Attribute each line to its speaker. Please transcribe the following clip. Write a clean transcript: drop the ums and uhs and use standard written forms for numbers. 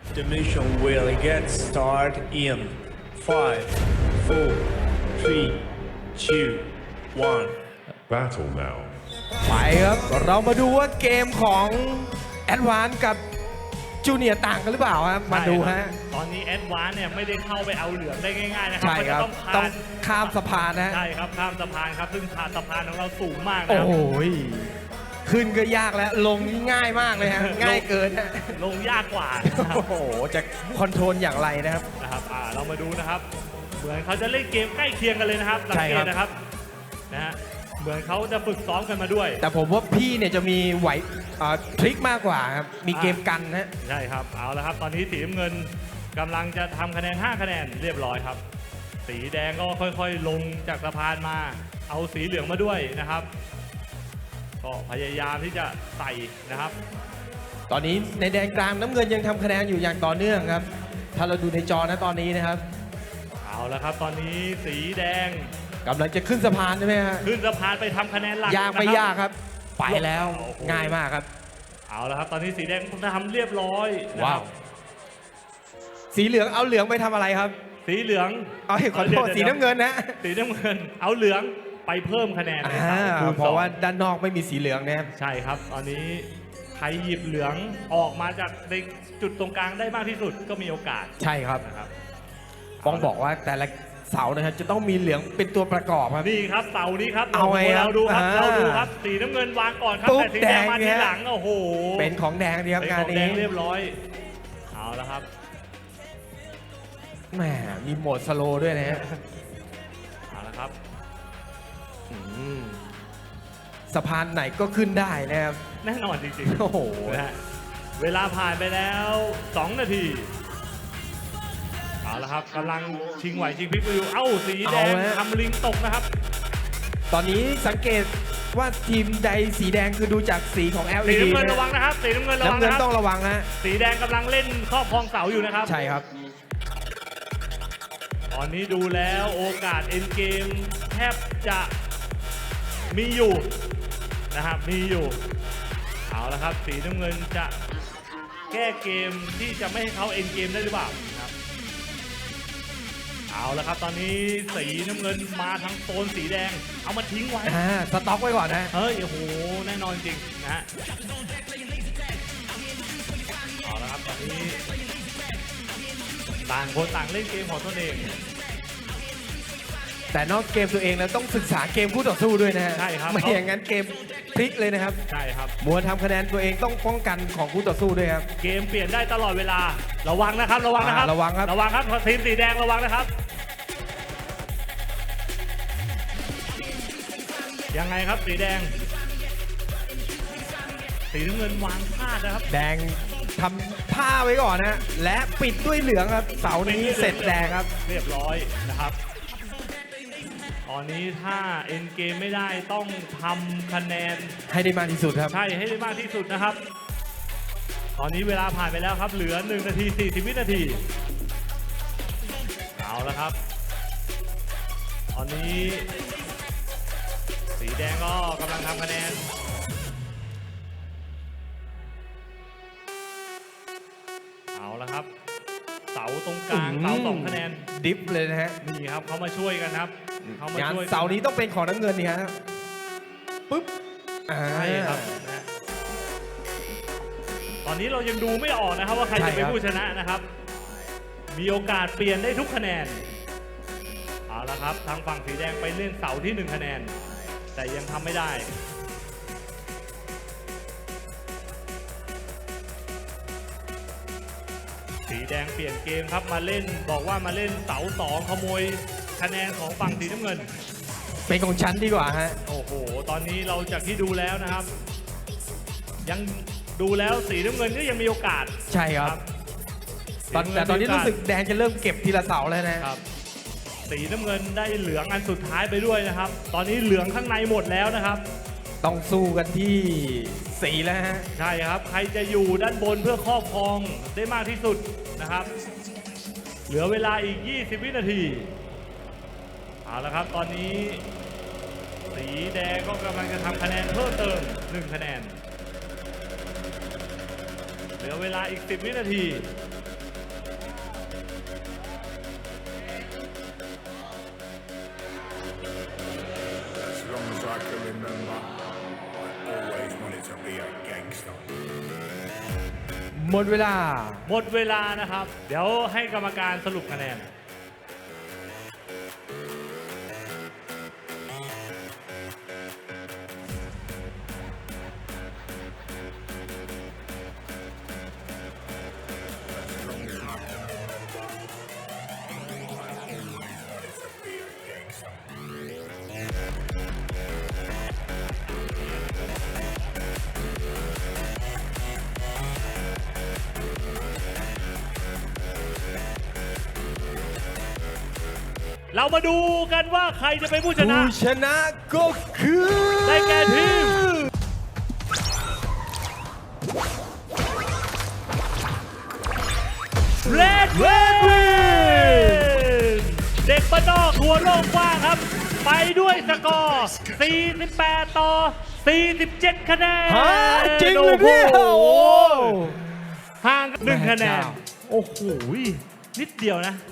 Speaker 1: The mission will get started in 5, 4, 3, 2, 1.
Speaker 2: Battle now.
Speaker 3: ไปครับ เรามาดูว่าเกมของแอดวานซ์กับจูเนียร์ต่างกันหรือเปล่าครับ มาดูฮะ
Speaker 4: ตอนนี้แอดวานเนี่ยไม่ได้เข้าไปเอาเหลืองได้ง่ายๆนะครั
Speaker 3: ใช่ครับ
Speaker 4: มันจะ
Speaker 3: ต้องข้ามสะพานนะ
Speaker 4: ใช่ครับข้ามสะพานครับซึ่งสะพานของเราสูงมากนะ
Speaker 3: โอ้
Speaker 4: ครับ
Speaker 3: โหขึ้นก็ยากแล้ว ลงนี่ง่ายมากเลยฮะ ง่ายเกินฮะ
Speaker 4: ลงยากกว่านะครับ
Speaker 3: โอ้โห จะคอนโทรลอย่างไรนะครับ
Speaker 4: เรามาดูนะครับเหมือนเขาจะเล่นเกมใกล้เคียงกันเลยนะครับสังเกตนะครับนะฮะเหมือนเขาจะฝึกซ้อมกันมาด้วย
Speaker 3: แต่ผมว่าพี่เนี่ยจะมีไหวทริคมากกว่าครับ มีเกมกันนะ
Speaker 4: ใช่ครับเอาละครับตอนนี้สีน้ำเงินกำลังจะทำคะแนน5คะแนนเรียบร้อยครับสีแดงก็ค่อยๆลงจากสะพานมาเอาสีเหลืองมาด้วยนะครับก็พยายามที่จะใส่นะครับ
Speaker 3: ตอนนี้ในแดนกลางน้ำเงินยังทำคะแนนอยู่อย่างต่อเนื่องครับ ถ้าเราดูในจอนะตอนนี้นะครับ
Speaker 4: เอาละครับตอนนี้สีแดง
Speaker 3: กำลังจะขึ้นสะพานใช่ไหมฮะ
Speaker 4: ขึ้นสะพานไปทำคะแนนหลัก
Speaker 3: ยากไม่
Speaker 4: นะครับ
Speaker 3: ยากครับ ไปแล้ว
Speaker 4: โอ้โห
Speaker 3: ง่ายมากครับ
Speaker 4: เอาละครับตอนนี้สีแดงทำเรียบร้อยนะ
Speaker 3: ว้า
Speaker 4: คว รับ
Speaker 3: สีเหลืองเอาเหลืองไปทำอะไรครับ
Speaker 4: สีเหลือง
Speaker 3: เอาขอโทษ
Speaker 4: ดี๋ยว
Speaker 3: สีน้ำเงินนะ
Speaker 4: สีน้ำเงินเอาเหลืองไปเพิ่มคะแนนในสามคูณ
Speaker 3: เพ
Speaker 4: สอ
Speaker 3: ราะ
Speaker 4: ง
Speaker 3: ว่าด้านนอกไม่มีสีเหลืองนะครับ
Speaker 4: ใช่ครับ ตอนนี้ใครหยิบเหลืองออกมาจากในจุดตรงกลางได้มากที่สุดก็มีโอกาส
Speaker 3: ใช่ครับ
Speaker 4: นะครับ
Speaker 3: ต้องบอกว่าแต่ละเสานะครับจะต้องมีเหลืองเป็นตัวประกอบครับ
Speaker 4: นี่ครับเสานี้ครับ
Speaker 3: เอาไงครับ
Speaker 4: เราดูครับ
Speaker 3: อ่า
Speaker 4: เราดูครับสีน้ำเงินวางก่อนครับ
Speaker 3: ปุ๊บ
Speaker 4: แต่สีแดงมา
Speaker 3: แดง
Speaker 4: ที
Speaker 3: เนี่ย
Speaker 4: หลังโอ้โห
Speaker 3: เป็นของแดงดีครับ
Speaker 4: เป็น
Speaker 3: งา
Speaker 4: ข
Speaker 3: น
Speaker 4: องแด
Speaker 3: นี้
Speaker 4: งเรียบร้อยเอาละครับ
Speaker 3: แหมมีโหมดสโลว์ด้วยนะฮะ
Speaker 4: เอาละครับ
Speaker 3: อืมสะพานไหนก็ขึ้นได้นะครับ
Speaker 4: แน่นอนจริง
Speaker 3: โอ้โห
Speaker 4: ๆนะฮะเวลาผ่านไปแล้ว 2 นาทีเอาละครับกำลังชิงไหวชิงพริบอยู่เอ้าสีแดง
Speaker 3: เอาฮะ
Speaker 4: ทำลิงตกนะครับ
Speaker 3: ตอนนี้สังเกตว่าทีมใดสีแดงคือดูจากสีของ
Speaker 4: สี
Speaker 3: LED
Speaker 4: น้ำเงิน
Speaker 3: นะ
Speaker 4: ระวังนะครับสีน้ำเงินระวัง
Speaker 3: น้ำเงิน
Speaker 4: นะครับ
Speaker 3: ต้องระวังนะ
Speaker 4: สีแดงกำลังเล่นครอบครองเสาอยู่นะครับ
Speaker 3: ใช่ครับ
Speaker 4: ตอนนี้ดูแล้วโอกาสเอ็นเกมแทบจะมีอยู่นะครับมีอยู่เอาละครับสีน้ำเงินจะแก้เกมที่จะไม่ให้เขาเอ็นเกมได้หรือเปล่านะครับเอาละครับตอนนี้สีน้ำเงินมาทางโซนสีแดงเอามาทิ้งไว้
Speaker 3: สต็อกไว้ก่อนนะ
Speaker 4: เฮ้ยโอ้โหแน่นอนจริงนะฮะเอาละครับตอนนี้ต่างคนต่างเล่นเกมของตนเอง
Speaker 3: แต่นอกเกมตัวเองแล้วต้องศึกษาเกมคู่ต่อสู้ด้วยนะฮะ
Speaker 4: ใช่ครับ
Speaker 3: ไม่อย่างนั้นเกมพลิกเลยนะครับ
Speaker 4: ใช่ครับ
Speaker 3: มัวทำคะแนนตัวเองต้องป้องกันของคู่ต่อสู้ด้วยครับ
Speaker 4: เกมเปลี่ยนได้ตลอดเวลาระวังนะครับระวังนะครับ
Speaker 3: ระวังครับ
Speaker 4: ระวังครับทีมสีแดงระวังนะครับยังไงครับสีแดงสีน้ำเงินวางพลาดนะครับ
Speaker 3: แดงทำผ้าไว้ก่อนนะและปิดด้วยเหลืองครับ เสาร์นี้เสร็จแดงครับ
Speaker 4: เรียบร้อยนะครับตอนนี้ถ้าเอ็นเกมไม่ได้ต้องทำคะแนน
Speaker 3: ให้ได้มากที่สุดครับ
Speaker 4: ใช่ให้ได้มากที่สุดนะครับ ตอนนี้เวลาผ่านไปแล้วครับเหลือ1 นาที 40 วินาทีเอาละครับ ตอนนี้ สีแดงก็กำลังทำคะแนนเอาละครับเสาตรงกลางเสา2 คะแนน
Speaker 3: ดิฟเลยนะฮะ
Speaker 4: นี่ครับเขามาช่วยกันครับเขามาง
Speaker 3: าน
Speaker 4: ช่วยกั
Speaker 3: เสาร์นี้ต้องเป็นของน้ำเงินนี่ฮะปุ๊บ
Speaker 4: ใช่ครับนะตอนนี้เรายังดูไม่ออกนะครับว่าใครจะเป็นผู้ชนะนะครับ มีโอกาสเปลี่ยนได้ทุกคะแนนเอาละครับทางฝั่งสีแดงไปเล่นเสาที่1 คะแนน แต่ยังทำไม่ได้สีแดงเปลี่ยนเกมครับมาเล่นบอกว่ามาเล่นเสา2ขโมยคะแนนของฝั่งสีน้ำเงิน
Speaker 3: เป็นของฉันดีกว่าฮะ
Speaker 4: โอ้โหตอนนี้เราจากที่ดูแล้วนะครับ ยังดูแล้วสีน้ำเงินก็ยังมีโอกาส
Speaker 3: ใช่ครับ แต่ตอนนี้รู้สึกแดงจะเริ่มเก็บทีละเสาแล้วนะครับ
Speaker 4: สีน้ำเงินได้เหลืองอันสุดท้ายไปด้วยนะครับ ตอนนี้เหลืองข้างในหมดแล้วนะครับ
Speaker 3: ต้องสู้กันที่สีแล้วฮะ
Speaker 4: ใช่ครับใครจะอยู่ด้านบนเพื่อครอบครองได้มากที่สุดนะครับ เหลือเวลาอีก 20 วินาทีเอาละครับตอนนี้ สีแดงก็กำลังจะทำคะแนนเพิ่มเติม1 คะแนนเหลือเวลาอีก 10 วินาที
Speaker 3: หมดเวลา
Speaker 4: หมดเวลานะครับ เดี๋ยวให้กรรมการสรุปคะแนน เรามาดูกันว่าใครจะเป็นผู้ชนะ
Speaker 3: ผู้ชนะก็คือ
Speaker 4: ได้แก่ทีม Red Win เด็กบ้านนอกหัวโล่งกว้างครับ ไปด้วยสกอร์ 48 ต่อ 47 คะแนน
Speaker 3: ฮะจริงเลยเนี่ยโอ้โห
Speaker 4: ห่างกัน1 คะแนน
Speaker 3: แม่เจ้า
Speaker 4: โอ้โห นิดเดียวนะ